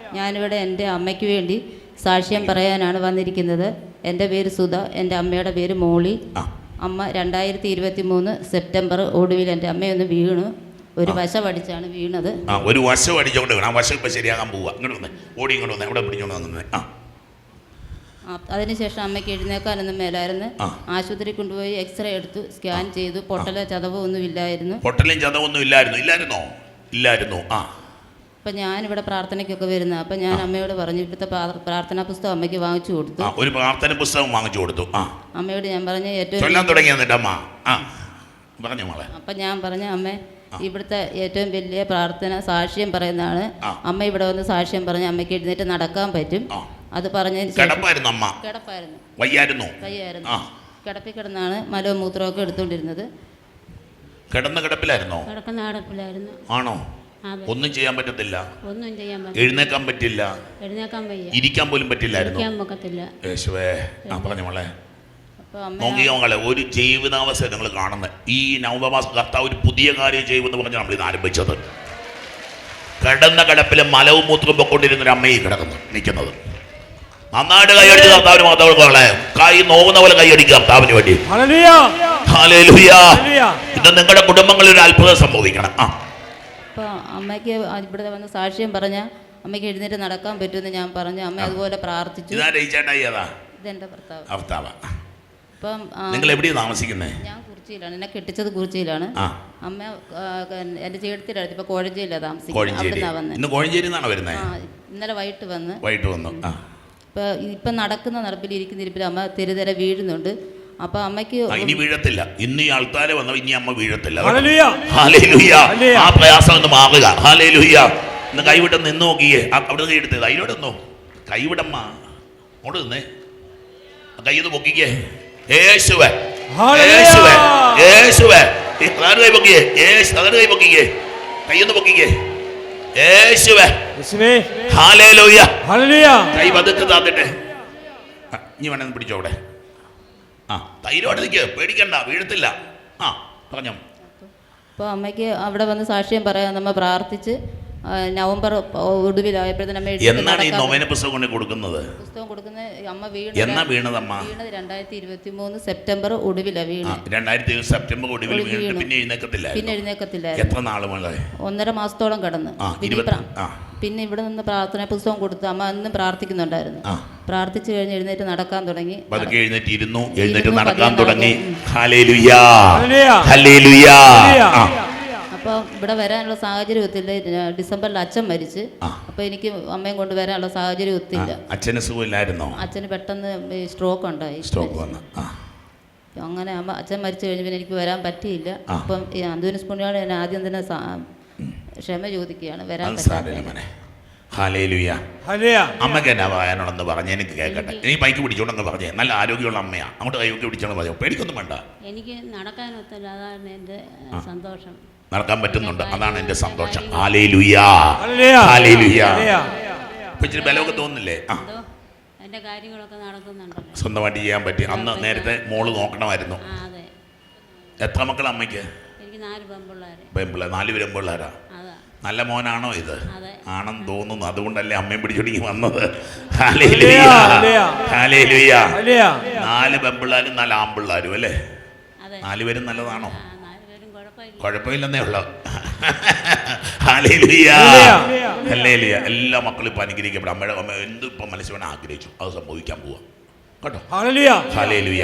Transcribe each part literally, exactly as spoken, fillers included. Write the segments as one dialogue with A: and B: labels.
A: ഞാനിവിടെ എൻ്റെ അമ്മയ്ക്ക് വേണ്ടി സാക്ഷ്യം പറയാനാണ് വന്നിരിക്കുന്നത്. എൻ്റെ പേര് സുധ, എൻ്റെ അമ്മയുടെ പേര് മോളി. അമ്മ രണ്ടായിരത്തി ഇരുപത്തി മൂന്ന് സെപ്റ്റംബർ ഒടുവിൽ എൻ്റെ അമ്മയൊന്ന് വീണു. ഒരു വശം അടിച്ചാണ് വീണത്.
B: ഒരു വശം അടിച്ചോണ്ട് വീണു. ആ വശം ഇപ്പം ശരിയാകാൻ പോവുക. ഇങ്ങോട്ട് വന്നേ, ഓടി ഇങ്ങോട്ട് വന്നേ, അവിടെ പിടിച്ചോണ്ട് വന്നേ. ആ
A: അതിനുശേഷം അമ്മയ്ക്ക് എഴുന്നേക്കാനൊന്നും മേലായിരുന്നു. ആശുപത്രി കൊണ്ടുപോയി എക്സ്റേ എടുത്തു, സ്കാൻ ചെയ്തു. പൊട്ടലോ ചതവോ ഒന്നും ഇല്ലായിരുന്നു.
B: പൊട്ടലും ചതവൊന്നും ഇല്ലായിരുന്നു. ഇല്ലായിരുന്നോ? ഇല്ലായിരുന്നു. ആ
A: അപ്പം ഞാനിവിടെ പ്രാർത്ഥനയ്ക്കൊക്കെ വരുന്നത്. അപ്പം ഞാൻ അമ്മയോട് പറഞ്ഞു, ഇവിടുത്തെ പ്രാർത്ഥനാ പുസ്തകം അമ്മയ്ക്ക് വാങ്ങിച്ചു കൊടുത്തു.
B: ഒരു പ്രാർത്ഥന പുസ്തകം വാങ്ങിച്ചു കൊടുത്തു.
A: അമ്മയോട് ഞാൻ പറഞ്ഞു ഏറ്റവും അപ്പം ഞാൻ പറഞ്ഞു, അമ്മ ഇവിടുത്തെ ഏറ്റവും വലിയ പ്രാർത്ഥന സാക്ഷ്യം പറയുന്നതാണ്. അമ്മ ഇവിടെ വന്ന് സാക്ഷ്യം പറഞ്ഞ് അമ്മയ്ക്ക് എഴുന്നേറ്റ് നടക്കാൻ പറ്റും. അത് പറഞ്ഞതിന് കിടപ്പായിരുന്നു വയ്യായിരുന്നു കിടപ്പിൽ കിടന്നാണ് മലവും മൂത്രമൊക്കെ എടുത്തുകൊണ്ടിരുന്നത്.
B: കിടന്ന കിടപ്പിലായിരുന്നോ?
A: കിടക്കുന്ന കിടപ്പിലായിരുന്നു.
B: ആണോ? ഒന്നും ചെയ്യാൻ പറ്റത്തില്ല.
A: ഒന്നും ചെയ്യാൻ പറ്റില്ല.
B: എഴുന്നേക്കാൻ പറ്റില്ല.
A: എഴുന്നേക്കാൻ വയ്യ.
B: ഇരിക്കാൻ പോലും പറ്റില്ലായിരുന്നു. യേശുവേ, ആ പറഞ്ഞ മോളെ നോക്കിയ മകളെ, ഒരു ജീവിതാവസ്ഥ നിങ്ങൾ കാണുന്നത്. ഈ നവംബർ മാസം കർത്താവ് ഒരു പുതിയ കാര്യം ചെയ്യുമെന്ന് പറഞ്ഞാൽ നമ്മൾ ഇത് ആരംഭിച്ചത്. കിടന്ന കിടപ്പിലെ മലവും മൂത്രവും പൊക്കൊണ്ടിരുന്നൊരു അമ്മയെ കിടക്കുന്നു നിൽക്കുന്നത്. നന്നായിട്ട് കൈയടിച്ച് കർത്താവിന് മാത്രമേ കൈ നോവുന്ന പോലെ കൈയടിക്കുക കർത്താവിന് വേണ്ടി. ഇത് നിങ്ങളുടെ കുടുംബങ്ങളിൽ ഒരു അത്ഭുതം സംഭവിക്കണം. ആ
A: അപ്പോൾ അമ്മയ്ക്ക് ഇവിടെ വന്ന് സാക്ഷ്യം പറഞ്ഞ അമ്മയ്ക്ക് എഴുന്നേറ്റ് നടക്കാൻ പറ്റുമെന്ന് ഞാൻ പറഞ്ഞു. അമ്മ അതുപോലെ പ്രാർത്ഥിച്ചു. ഇതെന്റെ ഭർത്താവ്. അപ്പം
B: നിങ്ങൾ എവിടെയാണ് താമസിക്കുന്നത്?
A: ഞാൻ കുറിച്ചിയിലാണ്. എന്നെ കെട്ടിച്ചത് കുറിച്ചിയിലാണ്. അമ്മ എന്റെ ചേട്ടത്തിയുടെ അടുത്ത് ഇപ്പൊ കോഴഞ്ചേരിയിലാണ് താമസിക്കുന്നത്. ഇന്നലെ വൈകിട്ട് വന്ന്
B: വൈകിട്ട് വന്നു.
A: ഇപ്പൊ ഇപ്പൊ നടക്കുന്ന നടപ്പിൽ ഇരിക്കുന്ന ഇരിപ്പിൽ അമ്മ തെരുതെര വീഴുന്നുണ്ട്. അപ്പൊ അമ്മയ്ക്ക്
B: ഇനി വീഴത്തില്ല. ഇന്ന് ഈ ആൾക്കാരെ വന്ന ഇനി അമ്മ വീഴത്തില്ല. ആ പ്രയാസം ഒന്ന് മാറുക. ഹല്ലേലൂയ. ഇന്ന് കൈവിട്ട് നിന്ന് നോക്കിയേ. അവിടെ കൈ എടുത്തത് അതിലോട്ടൊന്നോ കൈവിടമ്മ അങ്ങോട്ട് നിന്നേ. കൈയൊന്ന് പൊക്കിക്കേ. യേശുവേ, യേശുവേ, യേശുവേ. കൈ പൊക്കിയേ. കൈ പൊക്കിക്കേ. കൈയൊന്ന് പൊക്കിക്കേ. യേശുവേ, ഹല്ലേലൂയ. കൈ പതുക്കെ താത്തിട്ടെ. ഇനി വേണമെന്ന് പിടിച്ചോ. അവിടെ ആ തൈരോട് നിൽക്കുക, പേടിക്കണ്ട, വീഴത്തില്ല. ആ പറഞ്ഞോ.
A: അപ്പോൾ അമ്മയ്ക്ക് അവിടെ വന്ന് സാക്ഷ്യം പറയാൻ നമ്മൾ പ്രാർത്ഥിച്ച് നവംബർ ഒടുവിലായപ്പോഴത്തേനും
B: എന്നാണ് ഈ നൊവേന പുസ്തകം കൊണ്ട് കൊടുക്കുന്നത്?
A: പുസ്തകം കൊടുക്കുന്നത് അമ്മ വീണ
B: എന്നാ വീണതമ്മ?
A: വീണത് രണ്ടായിരത്തി ഇരുപത്തി മൂന്ന് സെപ്റ്റംബർ ഒടുവിലാണ് വീണത്.
B: രണ്ടായിരത്തി സെപ്റ്റംബർ ഒടുവിൽ വീണിട്ട് പിന്നെ എഴുന്നേക്കത്തില്ല.
A: പിന്നെ എഴുന്നേക്കത്തില്ല.
B: എത്ര നാള് മുതലേ?
A: ഒന്നര മാസത്തോളം കടന്ന്. പിന്നെ ഇവിടെ നിന്ന് പ്രാർത്ഥന പുസ്തകം കൊടുത്ത് അമ്മ അന്നും പ്രാർത്ഥിക്കുന്നുണ്ടായിരുന്നു. പ്രാർത്ഥിച്ചു കഴിഞ്ഞ് എഴുന്നേറ്റ് നടക്കാൻ തുടങ്ങി.
B: പതുക്കെ എഴുന്നേറ്റ് ഇരുന്നു, എഴുന്നേറ്റ് നടക്കാൻ തുടങ്ങി. Hallelujah, hallelujah.
A: അപ്പോൾ ഇവിടെ വരാനുള്ള സാഹചര്യം ഒത്തില്ല. ഡിസംബറിൽ അച്ഛൻ മരിച്ച്. അപ്പോൾ എനിക്ക് അമ്മയും കൊണ്ട് വരാനുള്ള സാഹചര്യം ഒത്തില്ല.
B: അച്ഛന് സുഖമില്ലായിരുന്നോ?
A: അച്ഛന് പെട്ടെന്ന് സ്ട്രോക്ക് ഉണ്ടായി.
B: സ്ട്രോക്ക് വന്നു.
A: അങ്ങനെ അമ്മ അച്ഛൻ മരിച്ചു കഴിഞ്ഞ് പിന്നെ എനിക്ക് വരാൻ പറ്റിയില്ല. അപ്പം ഈ അന്തോണിസ് പുണ്യാളൻ എന്നെ ആദ്യം തന്നെ ക്ഷമ ചോദിക്കുകയാണ്, വരാൻ പറ്റാതെ.
B: അമ്മക്ക് എന്നാ പറയാനുള്ളതെന്ന് പറഞ്ഞ് എനിക്ക് കേൾക്കട്ടെ. നീ ബൈക്ക് പിടിച്ചോണ്ടെന്ന് പറഞ്ഞേ. നല്ല ആരോഗ്യമുള്ള അമ്മയാ. അങ്ങോട്ട് കൈയൊക്കെ പിടിച്ചോണ്ട് പറയാം. പേടിക്കൊന്നും വേണ്ട.
A: എനിക്ക് നടക്കാൻ ഒത്തില്ല, അതാണ് എൻ്റെ സന്തോഷം.
B: നടക്കാൻ പറ്റുന്നുണ്ട്, അതാണ് എൻ്റെ സന്തോഷം. Hallelujah, hallelujah. ഇച്ചിരി ബലമൊക്കെ തോന്നുന്നില്ലേ? ആ
A: എൻ്റെ കാര്യങ്ങളൊക്കെ നടക്കുന്നുണ്ട്.
B: സ്വന്തമായിട്ട് ചെയ്യാൻ പറ്റി. അന്ന് നേരത്തെ മോള് നോക്കണമായിരുന്നു. എത്ര മക്കൾ അമ്മയ്ക്ക്?
A: എനിക്ക് നാല് പെൺപിള്ളേർ.
B: പെൺപിള്ളേർ നാല് പെൺപിള്ളേരാ. നല്ല മോനാണോ ഇത്? ആണെന്ന് തോന്നുന്നു. അതുകൊണ്ടല്ലേ അമ്മയും പിടിച്ചൊടുങ്ങി വന്നത്. Hallelujah, hallelujah. നാല് പെൺപിള്ളേരും നാല് ആൺപിള്ളേരും അല്ലേ? നാലുപേരും നല്ലതാണോ? കുഴപ്പമില്ലെന്നേ ഉള്ളൂ. Hallelujah, hallelujah. എല്ലാ മക്കളും ഇപ്പൊ അനുഗ്രഹിക്കപ്പെടും. അമ്മയുടെ അമ്മ എന്ത് ഇപ്പൊ മനസ്സ് വേണം ആഗ്രഹിച്ചു അത് സംഭവിക്കാൻ പോവാ കേട്ടോ. Hallelujah, hallelujah.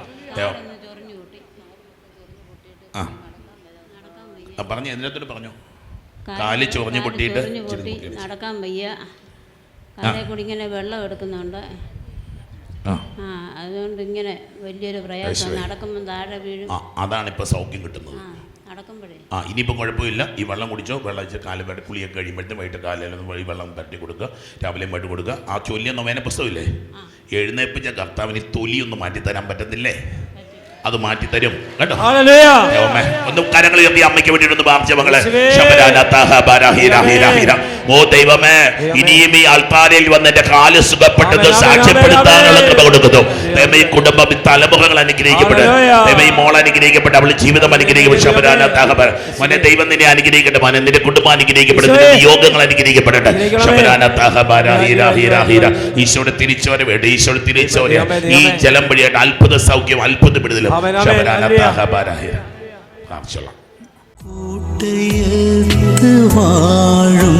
B: ആ പറഞ്ഞു, എന്തിനകത്തോട് പറഞ്ഞു? കാല് ചൊറിഞ്ഞു പൊട്ടിയിട്ട്
A: നടക്കാൻ വയ്യ. കാലിൽ കൂടി ഇങ്ങനെ വെള്ളം എടുക്കുന്നുണ്ട്. ആ അതുകൊണ്ട് ഇങ്ങനെ വലിയൊരു പ്രയാസം. നടക്കുമ്പോൾ താഴെ വീഴും.
B: അതാണ് ഇപ്പൊ സൗഖ്യം കിട്ടുന്നത്. ആ ഇനിയിപ്പം കുഴപ്പമില്ല. ഈ വെള്ളം കുടിച്ചോ. വെള്ളം വെച്ച് കാല് വെട്ടി കുളിയൊക്കെ കഴിയുമ്പോഴത്തേക്കും വൈകിട്ട് കാലിലൊന്നും വഴി വെള്ളം തട്ടി കൊടുക്കുക. രാവിലെയും വൈകിട്ട് കൊടുക്കുക. ആ ചൊല്ലിയ നൊവേന പുസ്തകമില്ലേ? എഴുന്നേപ്പിച്ച കർത്താവിന് തൊലിയൊന്നും മാറ്റിത്തരാൻ പറ്റത്തില്ലേ? അത് മാറ്റിത്തരും കേട്ടോ. ഒന്ന് കരങ്ങൾ ഉയർത്തി അമ്മയ്ക്ക് വേണ്ടിയിട്ടൊന്ന് പ്രാർത്ഥിച്ച മകളെ. ഓ ദൈവമേ, ഇനിയും ഈ ആൾക്കാരിൽ വന്ന് എന്റെ കാല് സുഖപ്പെട്ടത് സാക്ഷ്യപ്പെടുത്താനുള്ള കൃപ കൊടുക്കുന്നു. ദൈവമേ, ഈ കുടുംബം, ഈ തലമുറകൾ അനുഗ്രഹിക്കപ്പെട്ടു. ദൈവമേ, ഈ മോൾ അനുഗ്രഹിക്കപ്പെട്ട, അവളുടെ ജീവിതം അനുഗ്രഹിക്കപ്പെട്ടു. ശബരാനാഥാഹബര മോനെ, ദൈവം നിന്നെ അനുഗ്രഹിക്കട്ടെ. മോനെ, നിന്റെ കുടുംബം അനുഗ്രഹിക്കപ്പെടും. നിന്റെ നിയോഗങ്ങൾ അനുഗ്രഹിക്കപ്പെടട്ടെ. ശബരാനാഥാഹബര ഹീര ഹീര ഹീര. ഈശോയുടെ തിരിച്ചവരെ വേണ്ട, ഈശോയുടെ തിരിച്ചവരെ ഈ ജലം വഴിയായിട്ട് അത്ഭുത സൗഖ്യം, അത്ഭുത വിടുതലും. ശബരാനാഥാഹബര ഹീര. ആവശ്യമുള്ള
C: കൂട്ടയത്ത് വാഴും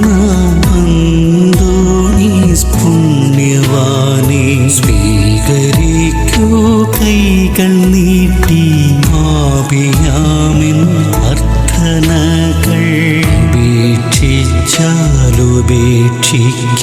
C: അന്തോണീസ് പുണ്യവാനെ സ്വീകരിക്കൂ കൈകൾ നീട്ടി ആപിയാമിൻ അർത്ഥനകൾ ഉപേക്ഷിച്ചാലുപേക്ഷിക്ക